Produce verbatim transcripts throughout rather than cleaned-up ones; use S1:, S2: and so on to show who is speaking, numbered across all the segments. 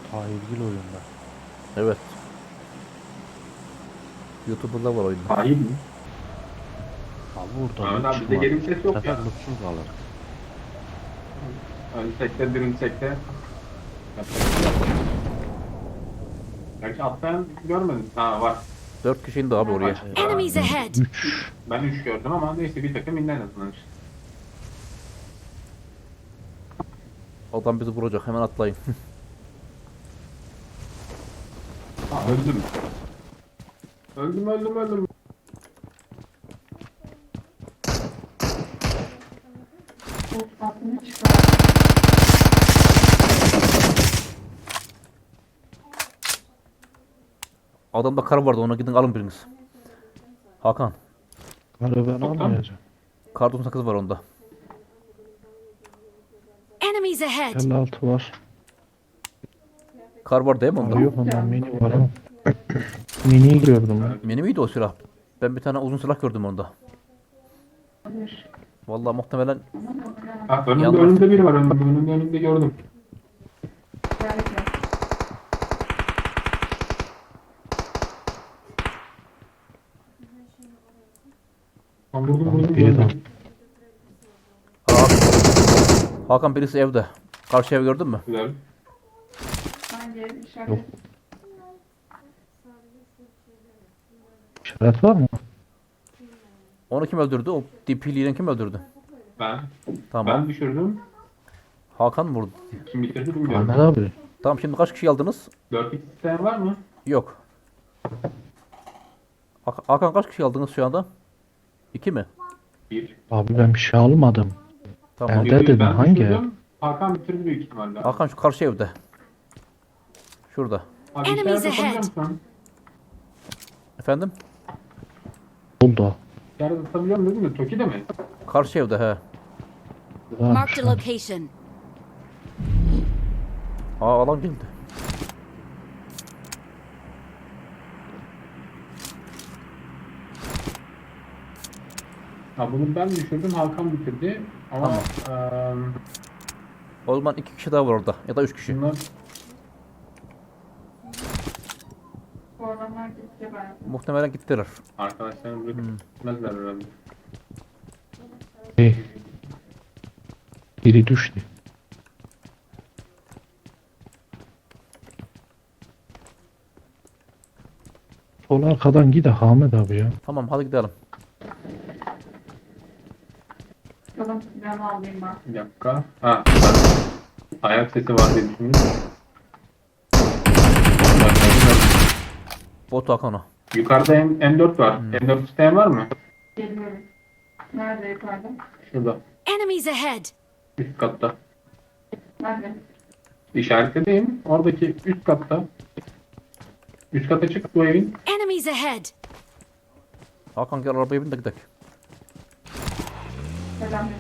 S1: Hayırlı oyunda.
S2: Evet. YouTuber'da var oyunda.
S3: Hayır mi?
S1: Abi burada
S3: Ahmet
S1: loot
S3: abi bizde geri
S1: çıkmadı.
S3: vites
S1: Bu
S3: yok
S1: sefer
S3: ya.
S1: lootsuz kalır.
S3: Ölsek de dirilsek de yapacak bir şey yok. Gerçi atlayan görmedim. Ha var.
S2: Dört kişi indi abi oraya.
S4: Enemies ahead!
S1: üç.
S3: Ben üç gördüm ama neyse bir takım indi en azından işte.
S2: Adam bizi vuracak. Hemen atlayın.
S3: Ha öldüm. Öldüm öldüm öldüm.
S2: Adamda kar vardı. Ona gidin alın biriniz. Hakan.
S1: Karı ben almayacağım.
S2: Kar doksan sekiz var onda.
S4: Enemies ahead!
S1: elli altı var.
S2: Kar var değil mi onda?
S1: Aa, yok ondan mini var ama. Mini'yi gördüm ben.
S2: Mini miydi o silah? Ben bir tane uzun silah gördüm onda. Vallahi muhtemelen
S3: Ha önümde
S2: Yanlış.
S3: önümde biri var önümde önümde önümde gördüm. Ben vurdum vurdum
S1: Biri
S3: vurdum.
S2: Hakan, Hakan birisi evde. Karşı ev gördün mü?
S3: Güzel.
S1: Yok. İşaret var mı?
S2: Onu kim öldürdü? O D P'liyle kim öldürdü?
S3: Ben.
S2: Tamam.
S3: Ben düşürdüm.
S2: Hakan mı vurdu?
S3: Kim bitirdi bilmiyorum.
S1: Ahmet abi.
S2: Tamam, şimdi kaç kişi aldınız?
S3: dört x isteyen var mı?
S2: Yok. Hak- Hakan kaç kişi aldınız şu anda? İki mi?
S3: Bir.
S1: Abi ben bir şey almadım.
S2: Tamam.
S1: Evet. dedim,
S3: ben
S1: hangi
S3: düşürdüm. Hakan bitirdi büyük ihtimalle.
S2: Hakan şu karşı evde. Şurada.
S3: Abi
S4: Enemies
S3: işaret atabiliyor
S4: ahead.
S3: musun?
S2: Efendim?
S1: Oldu.
S3: İşaret atabiliyor musun dedin mi? Toki'de mi?
S2: Karşı evde he.
S1: Varmış.
S4: Marked a location.
S2: Aa, alan geldi.
S3: Ha bunu ben düşürdüm. Hakan bitirdi. Ama eee
S2: O zaman iki kişi daha var orada. Ya da üç kişi.
S3: bunlar
S2: Muhtemelen gittiler.
S3: arkadaşlarım bırakıp
S2: Hmm.
S3: gitmezler herhalde.
S1: Hey. Biri düştü. Sol arkadan gide Ahmet abi ya.
S2: Tamam, hadi gidelim.
S5: Tamam, ben alayım ben.
S3: Bir dakika. Ha. Ben ayak sesi var diye düşündüm.
S2: Bot Hakan o.
S3: Yukarıda M M4 var.
S2: Hmm.
S3: M dört isteyen var mı?
S5: Geliyorum. Nerede yukarıda?
S3: Şurada.
S4: Enemies ahead!
S3: Üst katta.
S5: Nerede?
S3: İşaretledeyim. Oradaki üst katta. Üst kata çık bu evin.
S4: Enemies ahead!
S2: Hakan gel arabaya bin de gidelim.
S5: Selam.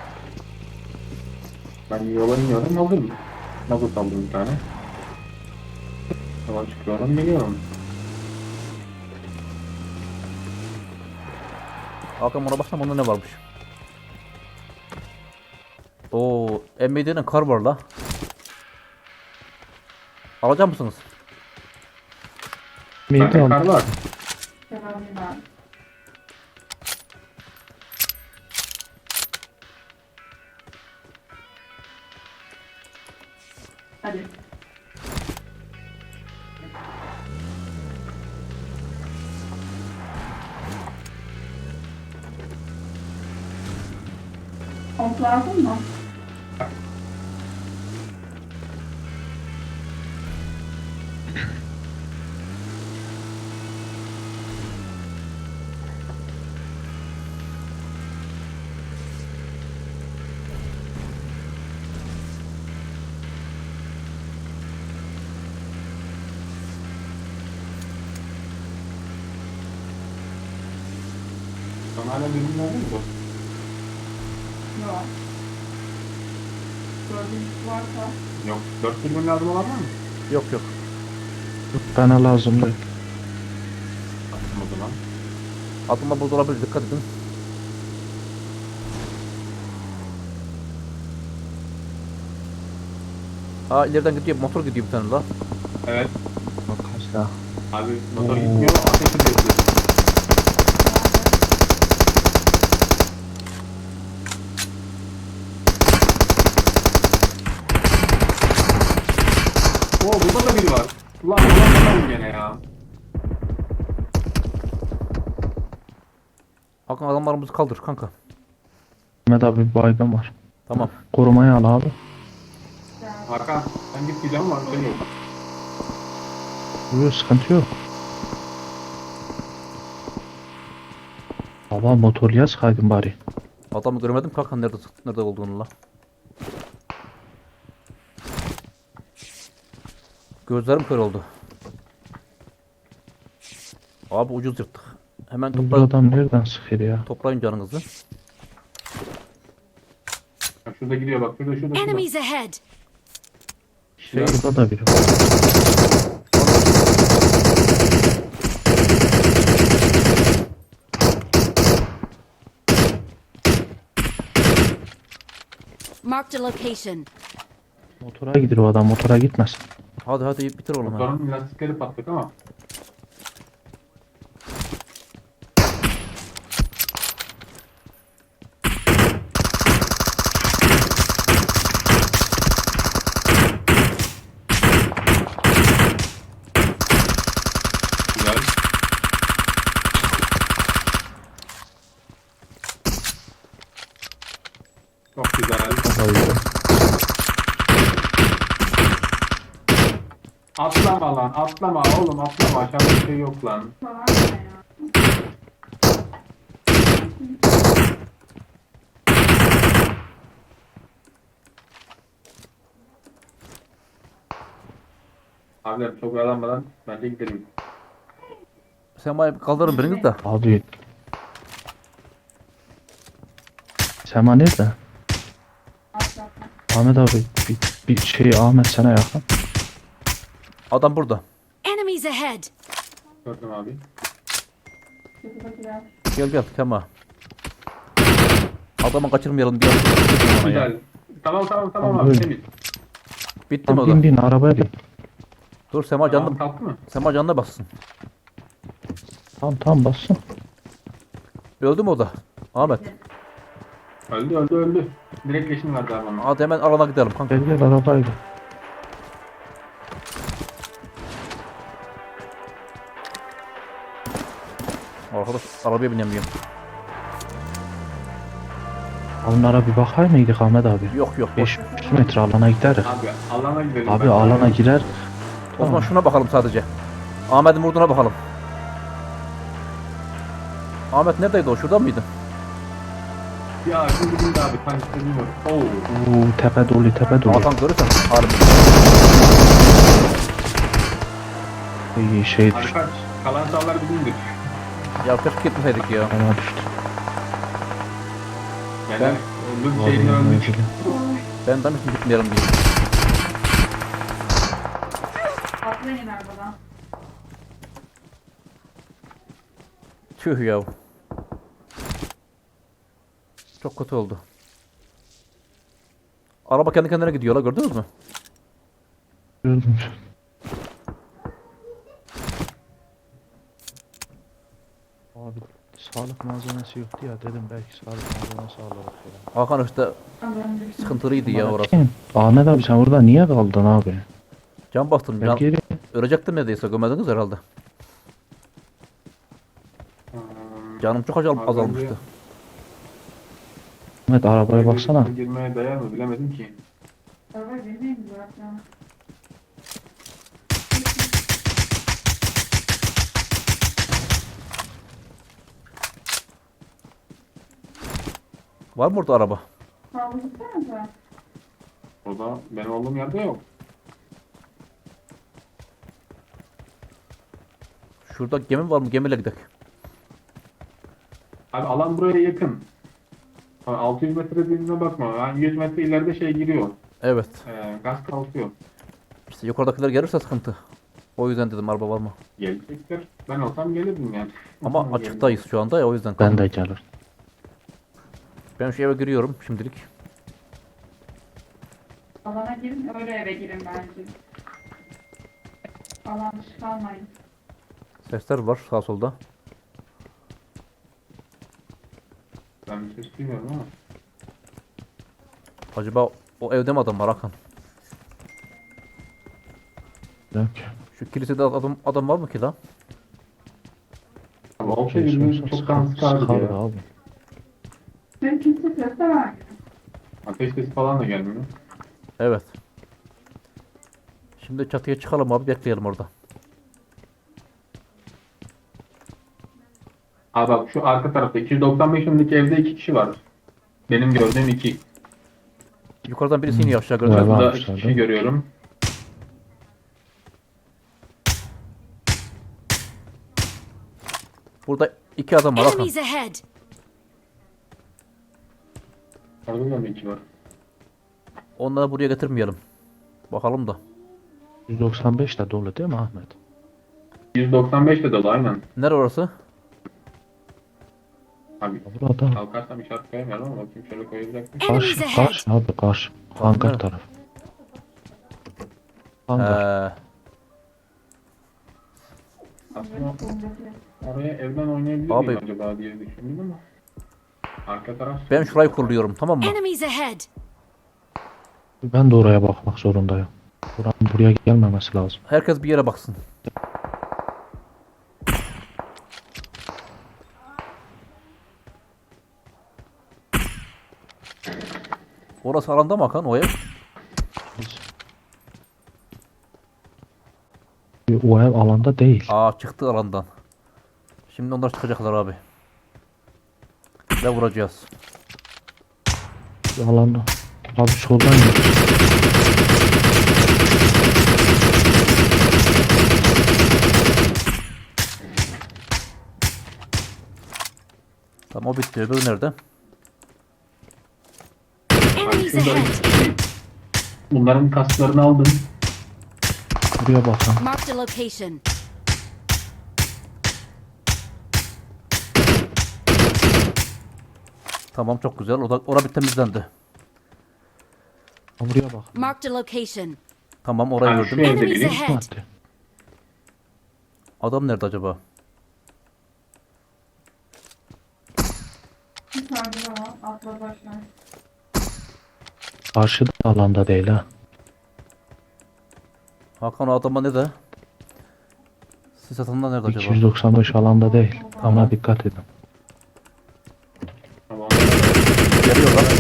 S3: Ben yola iniyorum. Hazırım. Mazot aldım bir tane. Yola çıkıyorum. Geliyorum.
S2: Hakan buna baksana, onda ne varmış? Oo, M B D'nin kar var la. Alacak mısınız?
S1: Meydan
S3: Bende kar var.
S5: Selam ben. Hadi. Komp lazım mı?
S3: Sana hala dürbün oldu mu bu?
S5: Yok. Dördüncüsü varsa.
S3: Yok. Dört dürbün lazım olan var mı?
S2: Yok yok.
S1: bana lazım değil.
S3: Attım o zaman.
S2: Atılma burada olabilir, dikkat edin. Ha ileriden gidiyor, motor gidiyor bir tane la.
S3: Evet.
S1: Bak kaç daha.
S3: Abi motor
S1: Oo.
S3: gitmiyor. Ateş ediyor. Oo burada da biri var. Ulan ulan gene ya.
S2: Hakan adamlarımızı kaldır kanka.
S1: Mehmet abi bir baygın var.
S2: Tamam.
S1: Korumaya al abi.
S3: Hakan sen git gideceğim var. Şey yok.
S1: Buyur sıkıntı yok. Baba motorluya sıkaydın bari.
S2: Adamı göremedim kanka, nerede nerede olduğunu la. Gözlerim kör oldu. Abi ucuz yırttık. Hemen
S1: Bu
S2: toplayın,
S1: adam nereden sıkıyor ya?
S2: toplayın canınızı.
S3: Bak şurada gidiyor bak. Şurada şurada şurada.
S4: Enemies ahead!
S2: Şey,
S1: Burada da biri var.
S4: Marked a location.
S1: Motora gidiyor o adam, motora gitmesin.
S2: hadi hadi bitir oğlum ha.
S3: Motorun lastikleri patlık ama. Güzel. Çok güzel.
S1: Bayıldı.
S3: Atlama lan, atlama oğlum, atlama. Aşağıda bir şey yok lan.
S5: Var ya.
S3: Abiler çok oyalanmadan bence gidelim.
S2: Sen bana bir kaldırın biriniz de.
S1: Abi. Sema nerede?
S5: Atlatma.
S1: Ahmet abi bir, bir şey Ahmet sana yakın.
S2: Adam burada.
S4: Enemies ahead!
S3: Gördüm abi.
S5: Şuradakiler.
S2: Gel gel Kema. Adamı kaçırmayalım diye. Bana ya.
S3: Güzel. Tamam tamam tamam
S1: Tamam,
S3: abi
S1: öyle.
S3: temiz.
S2: Bitti mi
S1: Tamam
S2: o
S1: bin
S2: da?
S1: bin arabaya bin.
S2: Dur Sema
S3: Tamam
S2: canlı.
S3: kalktı mı?
S2: Sema canına bassın.
S1: Tamam tamam bassın.
S2: Öldü mü o da? Ahmet.
S3: Öldü öldü öldü. Direkt leşin verdi abi ona.
S2: Hadi hemen alana gidelim kanka.
S1: Gel gel arabaya gel.
S2: Arkadaş arabaya binemiyorum.
S1: Onlara bir bakar mıydık Ahmet abi?
S2: Yok yok boş.
S1: beş yüz metre alana gideriz.
S3: Abi alana gidelim.
S1: Abi
S3: ben.
S1: alana girer.
S2: O zaman şuna bakalım sadece. Ahmet'in vurduğuna bakalım. Ahmet neredeydi o? Şurada mıydı?
S3: Ya şimdi gidin abi. Tank istemiyorum. Oo.
S1: Oo, tepe dolu tepe dolu.
S2: Hakan görürsen harbi.
S1: İyi şey düştü.
S3: Arka kalan sağlar bizimdir.
S2: Ya keşke gitmeseydik ya.
S1: Bana düştü.
S3: Yani
S2: Ben-
S3: öldüm şeyini
S1: Vallahi
S3: öldük.
S1: öyle.
S2: Ben demiştim gitmeyelim diye.
S5: Atlayın arabadan.
S2: Tüh ya. Çok kötü oldu. Araba kendi kendine gidiyor la, gördünüz mü?
S1: Gördüm. Abi sağlık malzemesi yoktu ya, dedim belki sağlık malzemesi alırız ya.
S2: Hakan işte
S5: Alın.
S2: sıkıntılıydı ya orası.
S1: Kim? Ahmet abi sen orada niye kaldın abi?
S2: Can bastım.
S1: Gel
S2: Can,
S1: geri.
S2: ölecektim neredeyse, gömediniz herhalde.
S3: Hmm,
S2: Canım çok azal,
S3: Az
S2: azalmıştı.
S3: önce-
S1: Ahmet arabaya baksana.
S3: Girmeye değer mi bilemedim ki.
S5: Araba benim zaten.
S2: Var mı orada araba?
S5: Kaldırsanıza.
S3: O da benim olduğum yerde yok.
S2: Şurada gemi var mı? Gemiyle gidelim.
S3: Abi alan buraya yakın. Abi altı yüz metre dediğine bakma. Yani yüz metre ileride şey giriyor.
S2: Evet.
S3: Ee, gaz kalkıyor.
S2: İşte yukarıdakiler gelirse sıkıntı. O yüzden dedim araba var mı?
S3: Gelecektir. Ben olsam gelirdim yani.
S2: Ama
S3: Gelirdim.
S2: açıktayız şu anda ya, o yüzden.
S1: Ben de gelir.
S2: Ben şu eve giriyorum şimdilik.
S5: Alana girin, öyle eve girin bence. Alan dışı kalmayın.
S2: Sesler var sağ solda.
S3: Ben bir ses duymuyorum ama.
S2: Acaba o evde mi adam var Hakan?
S1: Yok.
S2: Şu kilisede adam adam var mı ki lan?
S3: Ama o
S1: Şey,
S3: şey birbirini
S1: sorsa
S3: çoktan
S1: sıkar-
S3: sıkardı
S1: sıkardı
S3: ya.
S1: abi.
S5: Benim kimse ses de vermiyor.
S3: Ateş sesi falan da gelmiyor.
S2: Evet. Şimdi çatıya çıkalım abi, bekleyelim orada.
S3: Aa bak şu arka tarafta iki yüz doksan beş numaralı evde iki kişi var. Benim gördüğüm iki.
S2: Yukarıdan birisi iniyor aşağı
S1: Evet.
S2: gördün mü?
S1: Var
S3: Burada
S1: mı
S3: iki
S1: sende?
S3: kişi görüyorum.
S2: Burada iki adam var Hakan.
S4: Enemies ahead!
S3: Orada da mı iki var?
S2: Onları buraya getirmeyelim. Bakalım da.
S1: yüz doksan beş de dolu değil mi Ahmet?
S3: yüz doksan beş de dolu aynen.
S2: Nere orası?
S3: Abi
S1: Burada
S3: kalkarsam işaret koyamıyorum ama bakayım şöyle koyacak mı?
S4: Enemies
S1: karşı,
S4: ahead!
S1: karşı abi karşı. Hangar
S2: nerede?
S1: taraf. Hangar.
S2: Ee,
S3: Aslında
S5: Solundaki.
S3: oraya evden oynayabilir
S2: Abi-
S3: miyim acaba diye düşündüm ama. Arka taraf.
S2: ben şurayı kuruluyorum, tamam mı?
S4: Enemies ahead!
S1: Ben de oraya bakmak zorundayım. Buranın buraya gelmemesi lazım.
S2: Herkes bir yere baksın. Orası alanda mı Hakan, o ev?
S1: O ev alanda değil.
S2: Aa, çıktı alandan. Şimdi onlar çıkacaklar abi. Ve vuracağız.
S1: Alanda. Abi soldan git.
S2: Tamam, o bitti. Öbürü nerede?
S3: Abi
S4: Enemies
S3: şurada
S4: ahead!
S3: iki kişi. Bunların kasklarını aldım.
S1: Buraya bakın.
S4: Marked a location.
S2: Tamam, çok güzel. O da, orada bir temizlendi.
S1: Buraya bakın.
S4: Marked a location.
S2: Tamam, orayı
S3: Yani şu
S2: gördüm.
S3: evde
S4: Enemies
S3: biri.
S4: ahead!
S1: Hadi.
S2: Adam nerede acaba?
S5: Yukarıda da var. Atla başlar.
S1: Karşı da alanda değil ha.
S2: Hakan, o adama ne de? Sis atında nerede acaba?
S1: iki yüz doksan beş alanda değil.
S2: Tamam.
S1: Ona dikkat edin.
S3: Tamam.
S2: Geliyor lan.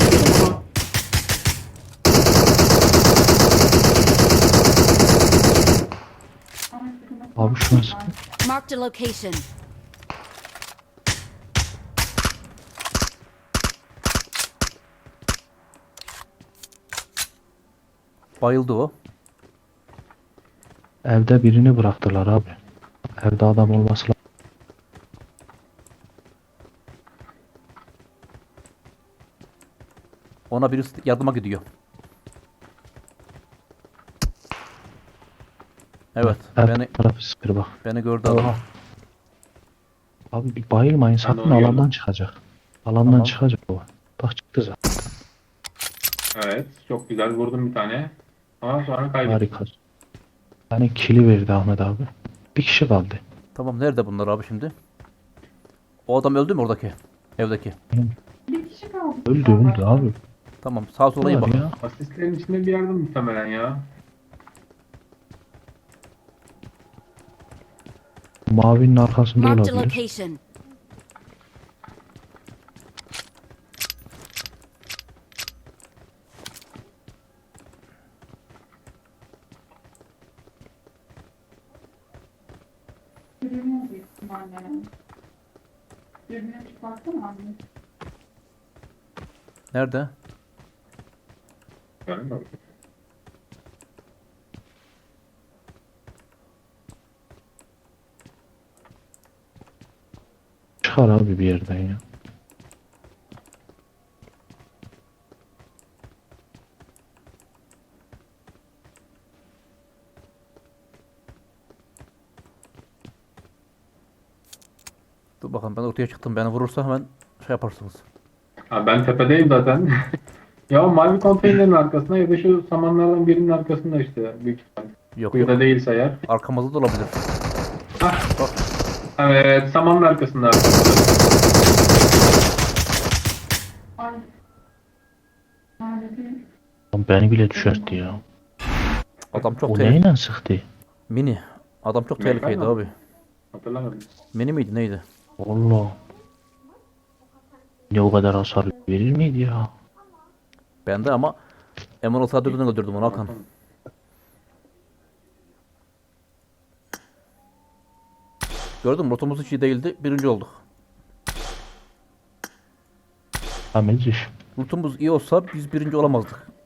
S5: Ama sıkıntı
S1: Abi
S5: yok.
S1: şu an sıkı-
S4: Marked a location.
S2: Bayıldı o.
S1: evde birini bıraktılar abi. Evde adam olması lazım.
S2: Ona birisi yardıma gidiyor. Evet,
S1: Ev
S2: beni
S1: tarafı sıkır bak.
S2: beni gördü adam.
S1: Oha. Abi bir bayılmayın sakın,
S3: onu gördüm.
S1: alandan çıkacak. Alandan
S2: Tamam.
S1: çıkacak o. Bak çıktı zaten.
S3: Evet. Çok güzel vurdum bir tane. Ama sonra kaybettim.
S1: Harika. Yani kili verdi Ahmet abi. Bir kişi kaldı.
S2: Tamam, nerede bunlar abi şimdi? O adam öldü mü oradaki? Evdeki.
S5: Bir kişi kaldı.
S1: Öldü öldü abi.
S2: Tamam, sağa sola iyi
S1: Var
S2: bak.
S1: ya.
S3: Asistlerin içinde bir yerde muhtemelen ya.
S1: Mavinin arkasında
S4: Marked a
S1: olabilir.
S4: location.
S5: Dürbün büyük ihtimalle. Dürbüne çıkartsana abi.
S2: Nerede?
S3: Yani bak.
S1: Çıkar abi bir yerden ya.
S2: Dur bakalım, ben ortaya çıktım. Beni vurursa hemen şey yaparsınız.
S3: Ha, ben tepedeyim zaten. Ya o mavi konteynerin arkasında ya da şu samanlardan birinin arkasında işte büyük ihtimal.
S2: Yok
S3: Kuyuda
S2: yok.
S3: değilse eğer.
S2: Arkamızda da olabilir.
S3: Hah.
S2: Bak.
S3: Evet, samanın arkasında arkasında.
S5: Ay. Nerede değil?
S1: Lan beni bile düşertti ya.
S2: Adam çok
S1: O
S2: tehlikeli.
S1: neyle sıktı?
S2: Mini. Adam çok
S3: Mekar
S2: tehlikeliydi
S3: mı?
S2: abi.
S3: Hatırlamadım.
S2: Mini miydi neydi?
S1: Allah. Ne o kadar hasar verir miydi ya?
S2: Ben de ama M on altı öldürdüm öldürdüm onu Hakan. Gördün mü? Rotamız hiç iyi değildi. Birinci olduk.
S1: Temiz iş.
S2: Lootumuz iyi olsa biz birinci olamazdık.